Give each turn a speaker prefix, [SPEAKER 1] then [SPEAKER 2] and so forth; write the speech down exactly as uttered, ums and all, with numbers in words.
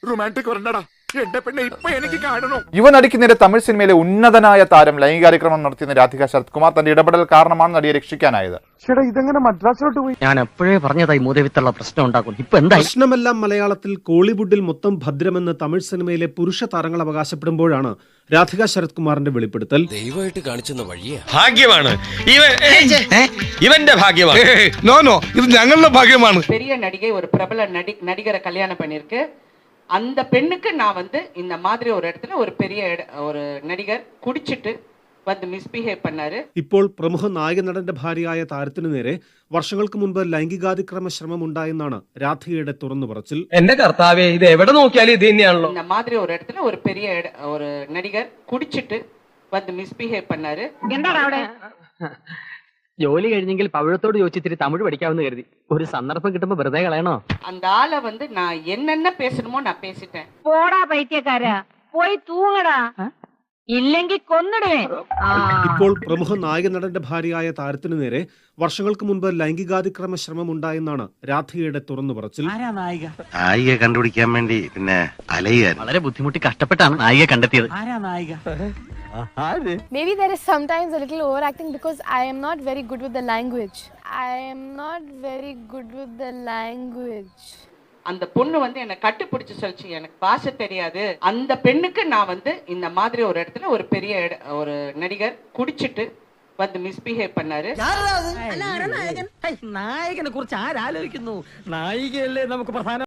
[SPEAKER 1] Romantic വരണ്ടടാ എന്റെ പെണ്ണെ ഇപ്പൊ എനിക്ക് കാണണോ.
[SPEAKER 2] യുവനടിക്ക് നേരെ തമിഴ് സിനിമയിലെ ഉന്നതനായ താരം ലൈംഗികാതിക്രമം നടത്തിയെന്ന് രാധിക ശരത് കുമാർ തന്റെ ഇടപെടൽ കാരണമാണ് നടിയെ രക്ഷിക്കാനായത്.
[SPEAKER 1] ഇതെങ്ങനെ മദ്രാസിലോട്ട് പോയി?
[SPEAKER 3] ഞാൻ എപ്പോഴേ പറഞ്ഞതായി മൂതവിത്തുള്ള പ്രശ്നം ഉണ്ടാക്കും. ഇപ്പൊ എന്താ
[SPEAKER 4] പ്രശ്നമെല്ലാം മലയാളത്തിൽ കോളിവുഡിൽ മൊത്തം ഭദ്രമെന്ന് തമിഴ് സിനിമയിലെ പുരുഷ താരങ്ങൾ അവകാശപ്പെടുമ്പോഴാണ് രാധിക ശരത് കുമാറിന്റെ വെളിപ്പെടുത്തൽ.
[SPEAKER 5] ദൈവമായിട്ട് കാണിച്ചെന്ന വഴിയാ.
[SPEAKER 6] ഭാഗ്യമാണ് ഇവന്റെ ഭാഗ്യമാണ്. നോ നോ ഇത് ഞങ്ങളുടെ ഭാഗ്യമാണ്.
[SPEAKER 7] பெரிய நடிகை ஒரு பிரபல நடி நடிகரை கல்யாணம் பண்ணிருக்கு. அந்த பெண்ணுக்கு நான் வந்து இந்த மாதிரி ஒரு இடத்துல ஒரு பெரிய ஒரு நடிகர் குடிச்சிட்டு வந்து മിസ്ബിഹേവ് பண்ணாரு.
[SPEAKER 4] ഇപ്പോൾ പ്രമുഖ നായക നടന്റെ ഭാര്യയായ താരത്തിനു നേരെ വർഷങ്ങൾക്ക് മുൻപ് ലൈംഗികാതിക്രമ ശ്രമം ഉണ്ടായെന്നാണ് രാധികയുടെ തുറന്നു പറച്ചിൽ.
[SPEAKER 8] എന്റെ കർത്താവേ, ഇത് എവിടെ നോക്കിയാലും ഇത് തന്നെയാണല്ലോ.
[SPEAKER 7] இந்த மாதிரி ஒரு இடத்துல ஒரு பெரிய ஒரு நடிகர் குடிச்சிட்டு வந்து மிஸ்பிஹேவ் பண்ணாரு.
[SPEAKER 3] എന്താണ് അവിടെ? ജോലി കഴിഞ്ഞെങ്കിൽ പവിഴത്തോട് ചോദിച്ചിത്തിരി തമിഴ് പഠിക്കാമെന്ന് കരുതി. ഒരു സന്ദർഭം കിട്ടുമ്പോ വെറുതെ കളയണോ?
[SPEAKER 7] அந்த ஆளை வந்து நான் என்னென்ன பேசணுமோ நான் பேசிட்டேன்.
[SPEAKER 9] പോടാ പൈത്യക്കാരാ, പോയി തൂങ്ങടാ, ഇല്ലെങ്കിൽ കൊന്നിടുവേ.
[SPEAKER 4] ഇപ്പോൾ പ്രമുഖ നായക നടന്റെ ഭാര്യയായ താരത്തിനു നേരെ വർഷങ്ങൾക്ക് മുൻപ് ലൈംഗികാതിക്രമ ശ്രമം ഉണ്ടായെന്നാണ് രാധികയുടെ തുറന്നു പറച്ചിൽ.
[SPEAKER 5] നായിക കണ്ടുപിടിക്കാൻ വേണ്ടി പിന്നെ അലയുക.
[SPEAKER 3] വളരെ ബുദ്ധിമുട്ടി കഷ്ടപ്പെട്ടാണ് നായിക കണ്ടെത്തിയത്.
[SPEAKER 10] Maybe there is sometimes a little overacting because I am not very good with the language. I am not very good with the language.
[SPEAKER 7] அந்த பொண்ணு வந்து என்ன கட்டுப்பிடிச்சு சொல்லிச்சு, எனக்கு பாஷை தெரியாது. அந்த பெண்ணுக்கு நான் வந்து இந்த மாதிரி ஒரு இடத்துல ஒரு பெரிய ஒரு நடிகர் குடிச்சிட்டு வந்து മിസ്ബിഹേവ് பண்ணாரு.
[SPEAKER 3] നായകനെ കുറിച്ച് ആരാലോചിക്കുന്നു? നായികയല്ലേ നമുക്ക് പ്രധാന.